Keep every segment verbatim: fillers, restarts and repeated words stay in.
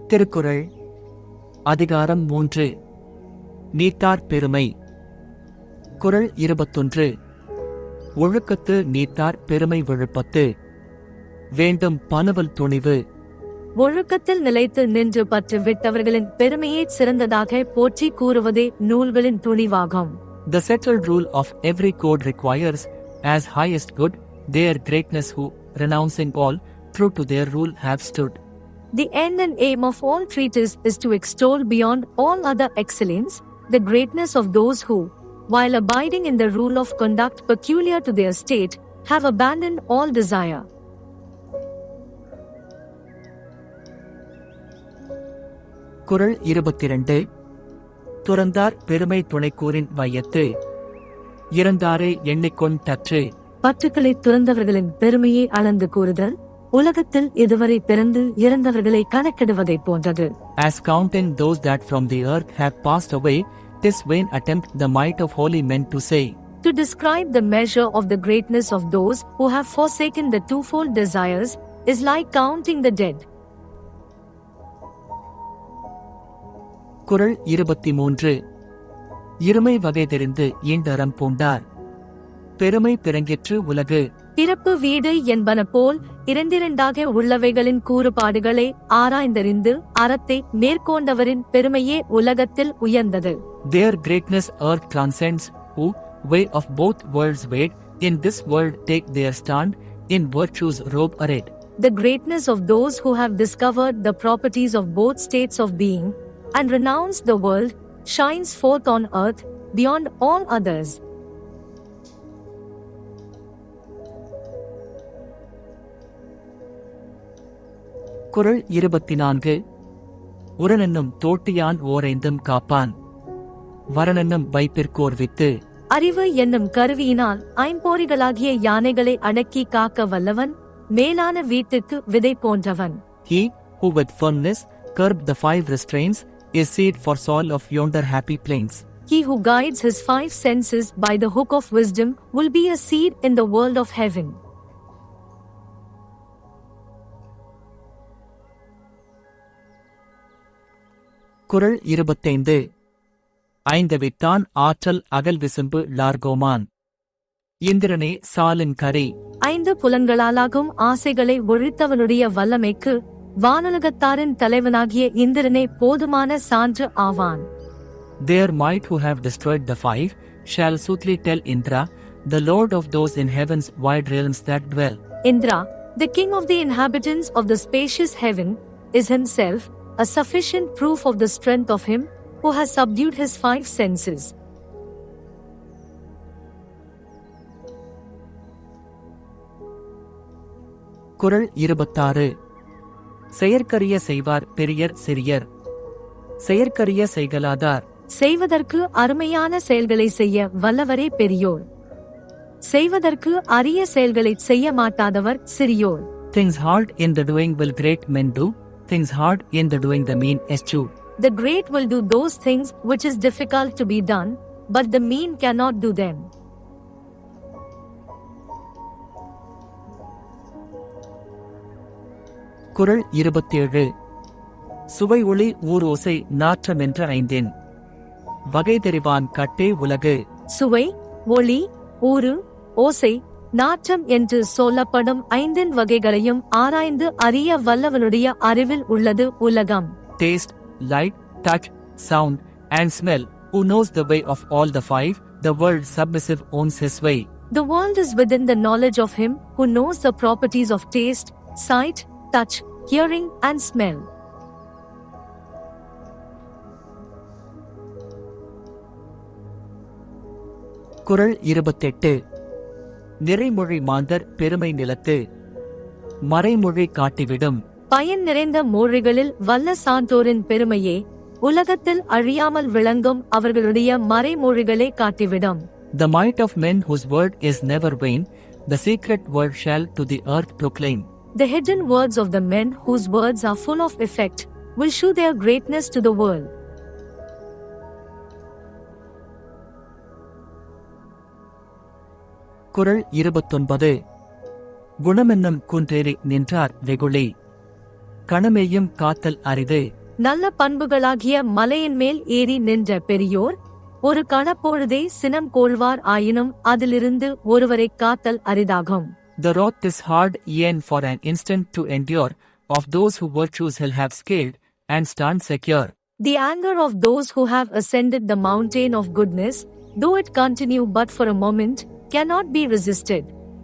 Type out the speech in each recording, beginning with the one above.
திருக்குறள் அதிகாரம் மூன்று. நீத்தார் பெருமை. குறள் இருபத்தொன்று. ஒழுக்கத்து நீத்தார் பெருமை விழுப்பத்து. வேண்டும் பனுவல் துணிவு. ஒழுக்கத்தில் நிலைத்து நின்று பற்று விட்டவர்களின் பெருமையே சிறந்ததாக போற்றி கூறுவதே நூல்களின் துணிவாகும். The settled rule of every code requires, as highest good, their greatness who, renouncing all, true to their rule have stood. The end and aim of all treatise is to extol beyond all other excellence the greatness of those who, while abiding in the rule of conduct peculiar to their state, have abandoned all desire. குறள் இருபத்திரண்டு. துறந்தார் பெருமை துணைக்கூறின் வையத்து. இறந்தாரை எண்ணிக்கொண் தற்று. பற்றுக்களை துறந்தவர்களின் பெருமையை அளந்து கூறுதல் உலகத்தில் இதுவரை பிறந்து இறந்தவர்களை கணக்கிடுவதைப் போன்றது. As counting those that from the earth have passed away, 'tis vain attempt the might of holy men to say. To describe the measure of the greatness of those who have forsaken the twofold desires is like counting the dead. குறள் இருபத்தி மூன்று. இருமை வகை தெரிந்து ஈண்டறம் பூண்டார். பெருமை பிறங்கிற்று உலகு. பிறப்பு வீடு என்பன போல் இரண்டிரண்டாக உள்ளவைகளின் கூறுபாடுகளை ஆராய்ந்தறிந்து அறத்தை மேற்கொண்டவரின் பெருமையே உலகத்தில் உயர்ந்தது. Their greatness earth transcends, who, way of both worlds wait, in this world take their stand, in virtue's robe arrayed. The greatness of those who have discovered the properties of both states of being, and renounced the world, shines forth on earth, beyond all others. Kural இருபத்தி நான்கு. உரனென்னும் தோட்டியான் ஓரைந்தும் காப்பான். வரனென்னும் வைப்பிற்கோர் வித்து. அறிவு என்னும் கருவியினால் ஐம்பொறிகளாகிய யானைகளை அடக்கி காக்க வல்லவன் மேலான வீட்டுக்கு விதை போன்றவன். He, who with firmness curb the five restraints, is seed for soil of yonder happy plains. He who guides his five senses by the hook of wisdom will be a seed in the world of heaven. குறள் இருபத்தைந்து. ஐந்தவித்தான் ஆற்றல் அகல் விசும்பு லார்கோமான். இந்திரனே சாலின் கரி. ஐந்து புலன்களாலாகும் ஆசைகளை ஒழித்தவனுடைய வல்லமைக்கு வானுலகத்தாரின் தலைவனாகிய இந்திரனே போதுமான சான்று ஆவான். Their might who have destroyed the five shall soothly tell Indra, the lord of those in heaven's wide realms that dwell. Indra, the king of the inhabitants of the spacious heaven, is himself a sufficient proof of the strength of him who has subdued his five senses. குறள் இருபத்தாறு. செயற்கரிய செய்வார் பெரியர் சிறியர். செயற்கரிய செய்கலாதார். செய்வதற்கு அருமையான செயல்களை செய்ய வல்லவரே பெரியோர். செய்வதற்கு அரிய செயல்களை செய்ய மாட்டாதவர் சிறியோர். Things hard in the doing will great men do. Things hard in the doing the mean eschew. The great will do those things which is difficult to be done, but the mean cannot do them. குறள் இருபத்தேழு. சுவை ஒளி ஊர் ஓசை நாற்றமென்ற ஐந்தின். வகை தெரிவான் கட்டே உலகு. சுவை, ஒளி, ஊறு, ஓசை, நாற்றம் என்று சொல்லப்படும் ஐந்தின் வகைகளையும் ஆராய்ந்து அறிய வல்லவனுடைய அறிவில் உள்ளது உலகம். Taste, light, touch, sound, and smell. Who knows the way of all the five? The world submissive owns his way. The world is within the knowledge of him who knows the properties of taste, sight, touch, hearing, and smell. குறள் இருபத்தெட்டு. நிறைமொழி மாந்தர் பெருமை நிலத்து. மறைமொழி காட்டிவிடும். பயன் நிறைந்த மொழிகளில் வல்ல சான்றோரின் பெருமையே உலகத்தில் அழியாமல் விளங்கும் அவர்களுடைய மறைமொழிகளை காட்டிவிடும். The might of men whose word is never vain, the secret word shall to the earth proclaim. The hidden words of the men whose words are full of effect will show their greatness to the world. குறள் இருபத்தொன்பது. குணமென்னும் குன்றேறி நின்றார் வெகுளி. கணமேயும் காத்தல் அரிது. நல்ல பண்புகளாகிய மலையின் மேல் ஏறி நின்ற பெரியோர் ஒரு கணப்பொழுதே சினம் கோள்வார் ஆயினும் அதிலிருந்து ஒருவரைக் காத்தல் அரிதாகும். The wrath is hard e'en for an instant to endure, of those who virtues he'll have scaled, and stand secure. The anger of those who have ascended the mountain of goodness, though it continue but for a moment, cannot be resisted.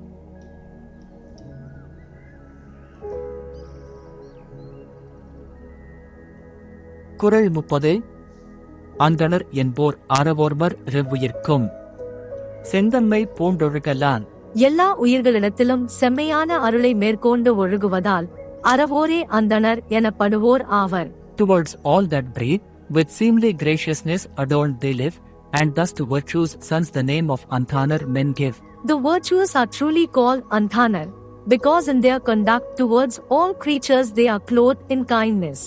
குறள் முப்பது. அந்தணர் என்போர் அறவோர்வர் ரெவ்வுயிர்க்கும் செந்தன்மை பூண்டொழுகலான். எல்லா உயிர்களிடத்திலும் செம்மையான அருளை மேற்கொண்டு ஒழுகுவதால் அறவோரே அந்தணர் எனப்படுவோர் ஆவர். Towards all that breathe, with seemly graciousness adorned they live, and thus to virtue's sons the name of Anthanar men give. The virtuous are truly called Anthanar, because in their conduct towards all creatures they are clothed in kindness.